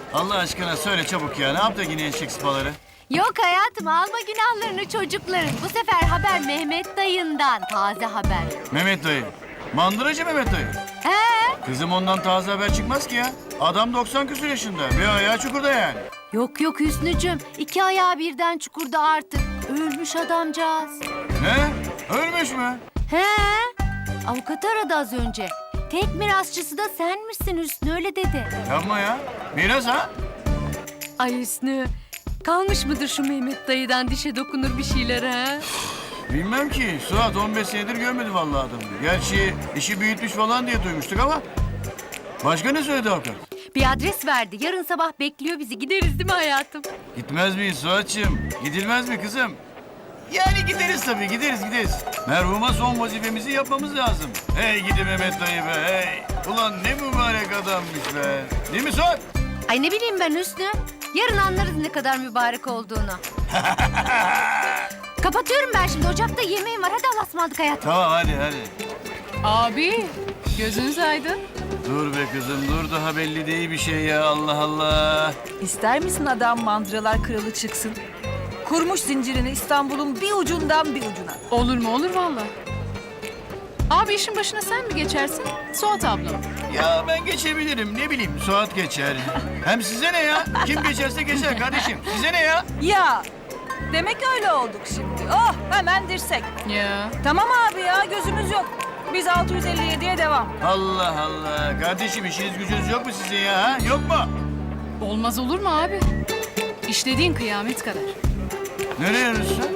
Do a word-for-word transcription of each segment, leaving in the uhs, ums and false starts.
Allah aşkına söyle çabuk ya. Ne yaptı yine eşek sıpaları? Yok hayatım, alma günahlarını çocukların. Bu sefer haber Mehmet dayından. Taze haber. Mehmet dayı. Mandıracı Mehmet dayı. He? Kızım ondan taze haber çıkmaz ki ya. Adam doksan küsur yaşında. Bir ayağı çukurda yani. Yok yok Hüsnücüm. İki ayağı birden çukurda artık. Ölmüş adamcağız. Ne? Ölmüş mü? He? Avukat aradı az önce. Tek mirasçısı da senmişsin Hüsnü, öyle dedi. Yapma ya. Miras ha? Ay Hüsnü, kalmış mıdır şu Mehmet dayıdan dişe dokunur bir şeyler ha? Bilmem ki. Suat on beş senedir görmedi vallahi adamı. Gerçi işi büyütmüş falan diye duymuştuk ama... Başka ne söyledi avukat? Bir adres verdi. Yarın sabah bekliyor bizi. Gideriz değil mi hayatım? Gitmez miyiz Suat'cığım? Gidilmez mi kızım? Yani gideriz tabii, gideriz gideriz. Merhuma son vazifemizi yapmamız lazım. Hey gidi Mehmet dayı be, hey. Ulan ne mübarek adammış be. Değil mi Suat? Ay ne bileyim ben Hüsnü. Yarın anlarız ne kadar mübarek olduğunu. Kapatıyorum ben şimdi. Ocakta yemeğim var. Hadi Allah'a ısmarladık hayatım. Tamam hadi hadi. Abi, gözünüz aydın. Dur be kızım, dur daha belli değil bir şey ya, Allah Allah. İster misin adam mandıralar kralı çıksın? Kurmuş zincirini İstanbul'un bir ucundan bir ucuna. Olur mu olur valla. Abi işin başına sen mi geçersin? Suat ablam. Ya ben geçebilirim, ne bileyim Suat geçer. Hem size ne ya? Kim geçerse geçer kardeşim. Size ne ya? Ya demek öyle olduk şimdi. Oh hemen dirsek. Ya. Tamam abi ya gözümüz yok. Biz altı yüz elli yediye devam. Allah Allah. Kardeşim işiniz gücünüz yok mu sizin ya? Ha? Yok mu? Olmaz olur mu abi? İşlediğin kıyamet kadar. Nereye yarıyorsun?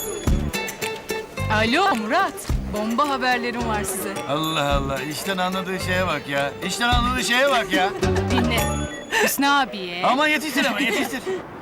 Alo Murat, bomba haberlerim var size. Allah Allah. İşten anladığı şeye bak ya. İşten anladığı şeye bak ya. Dinle. Hüsnü abiye. Ama yetiştir ama yetiştir.